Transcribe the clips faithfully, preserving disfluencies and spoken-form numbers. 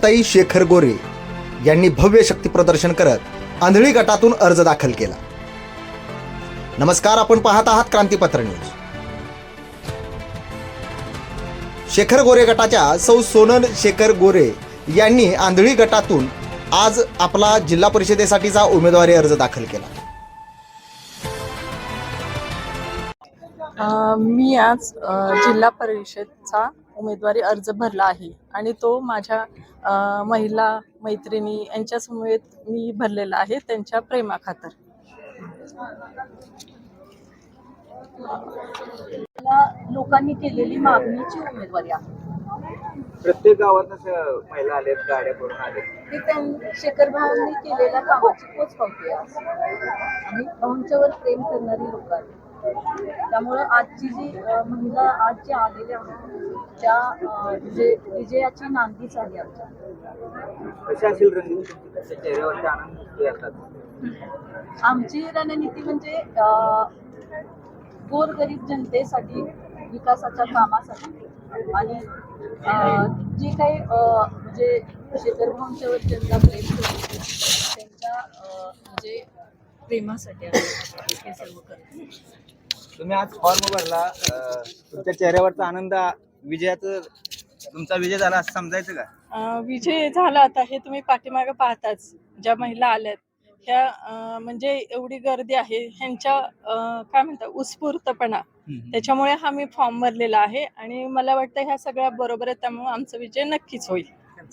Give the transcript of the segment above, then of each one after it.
सुजाताताई शेखर गोरे यांनी भव्य शक्ती प्रदर्शन करत आंधळी गटातून अर्ज दाखल केला. नमस्कार, आपण पाहत आहात क्रांतीपत्र न्यूज. शेखर गोरे गटाच्या सौ सोनल शेखर गोरे यांनी आंधळी गटातून आज आपला जिल्हा परिषदेसाठीचा उमेदवारी अर्ज दाखल केला. अ, मी आज अ, जिल्हा परिषदचा उमेदवारी अर्ज भरला आहे आणि तो माझ्या अ, महिला मैत्रिणी यांच्यासमवेत मी भरलेला आहे, त्यांच्या प्रेमाखातर. लोकांनी केलेली मागणीची उमेदवारी आहे. प्रत्येक गावात महिला आलेत, गाड्या करून आलेत. ती त्यां शेखर भावांनी केलेल्या कामाची पोचपावती आहे आणि भाऊंच्यावर प्रेम करणारी लोक आहेत. त्यामुळं आजची जी अ, महिला आज जे आलेल्या आहेत त्या अ, विजय विजयाची नांदीच आहे आमच्या. कशी असेल रणनीती तुमच्या चेहऱ्यावरती आनंद दिसतो यातच? आमची रणनीती म्हणजे अ, गोरगरीब जनतेसाठी, विकासाच्या कामासाठी आणि अ, जे काही अ, म्हणजे शेखर भाऊंच्यावर ज्यांना प्रेम करतो त्यांच्या अ, म्हणजे प्रेमासाठी आम्ही हे सर्व करतो. तुम्ही आज फॉर्म भरला, अं, तुमच्या चेहऱ्यावरचा आनंद, विजयाचं तुमचा विजय झाला असं समजायचं का? अ, विजय झाला आता हे तुम्ही पाठीमागे पाहताच, ज्या महिला आल्यात ह्या अ, म्हणजे एवढी गर्दी आहे, ह्यांच्या अ, काय म्हणतात उत्स्फूर्तपणा, त्याच्यामुळे हा मी फॉर्म भरलेला आहे आणि मला वाटतं ह्या सगळ्या बरोबर आहे, त्यामुळे आमचा विजय नक्कीच होईल.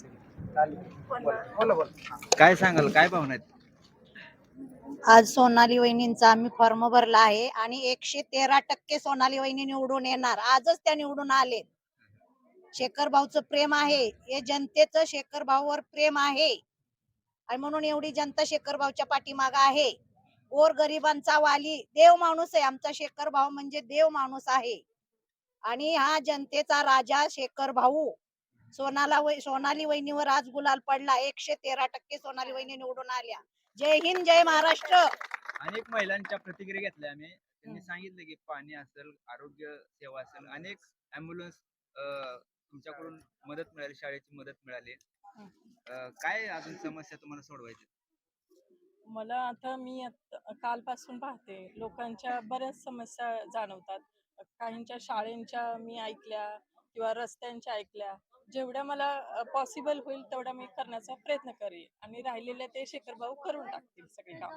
काय सांगाल, काय भावना आहेत? आज सोनाली वहिनींचा आम्ही फॉर्म भरला आहे आणि एकशे तेरा टक्के सोनाली वहिनी निवडून येणार. आजच त्या निवडून आले. शेखर भाऊचं प्रेम आहे, हे जनतेचं शेखर भाऊवर प्रेम आहे आणि म्हणून एवढी जनता शेखर भाऊच्या पाठीमाग आहे. गोर गरिबांचा वाली देव माणूस आहे आमचा शेखर भाऊ, म्हणजे देव माणूस आहे आणि हा जनतेचा राजा शेखर भाऊ. सोनाला वै सोनाली वहिनीवर आज गुलाल पडला. एकशे तेरा टक्के सोनाली वहिनी निवडून आल्या. जय हिंद, जय महाराष्ट्र. अनेक महिलांच्या प्रतिक्रिया घेतल्या आम्ही. त्यांनी सांगितलं की पाणी असेल, आरोग्य सेवा असेल, अनेक ॲम्ब्युलन्स तुमच्याकडून मदत मिळाली, शाळेची मदत मिळाली. अं, काय अजून समस्या तुम्हाला सोडवायची? मला आता मी आत- कालपासून पाहते, लोकांच्या बऱ्याच समस्या जाणवतात. काहींच्या शाळेंच्या मी ऐकल्या किंवा रस्त्यांच्या ऐकल्या. जेवढ्या मला पॉसिबल होईल तेवढ्या मी करण्याचा प्रयत्न करेन आणि राहिलेले ते शेखर भाऊ करून टाकतील सगळी कामं.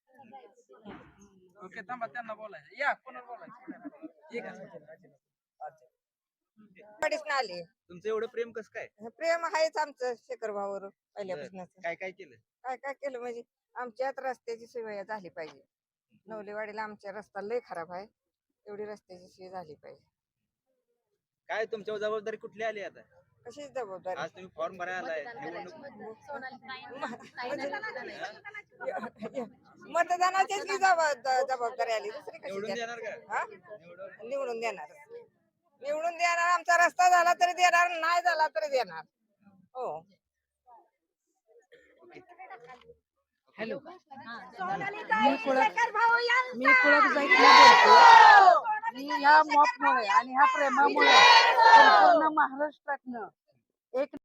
ओके, थांबा, त्यांना बोलायचं. या, कोणाला बोलायचं? ठीक आहे. आले. तुमचं एवढं प्रेम कसं काय? प्रेम आहेच आमचं शेखर भावावर पहिल्यापासून. काय काय केलं? काय काय केलं म्हणजे आमच्यात रस्त्याची सोय झाली पाहिजे. नवलेवाडीला आमच्या रस्ता लय खराब आहे, एवढी रस्त्याची सोय झाली पाहिजे. काय तुमच्यावर जबाबदारी कुठली आली आता? कशी जबाबदारी? आज तुम्ही फॉर्म भरायला आलाय, निवडणूक मतदानाचीच की जबाब- जबाबदारी आली, दुसरी कशी निवडून देणार? देणार का? हा? निवडून देणार. निवडून देणार. आमचा रस्ता झाला तरी देणार, नाही झाला तरी देणार. हो. हॅलो, मी कुळक मी कुळक जाईतला बोलतो. मी ह्या मॉपमुळे आणि ह्या प्रेमामुळे संपूर्ण महाराष्ट्रातनं एक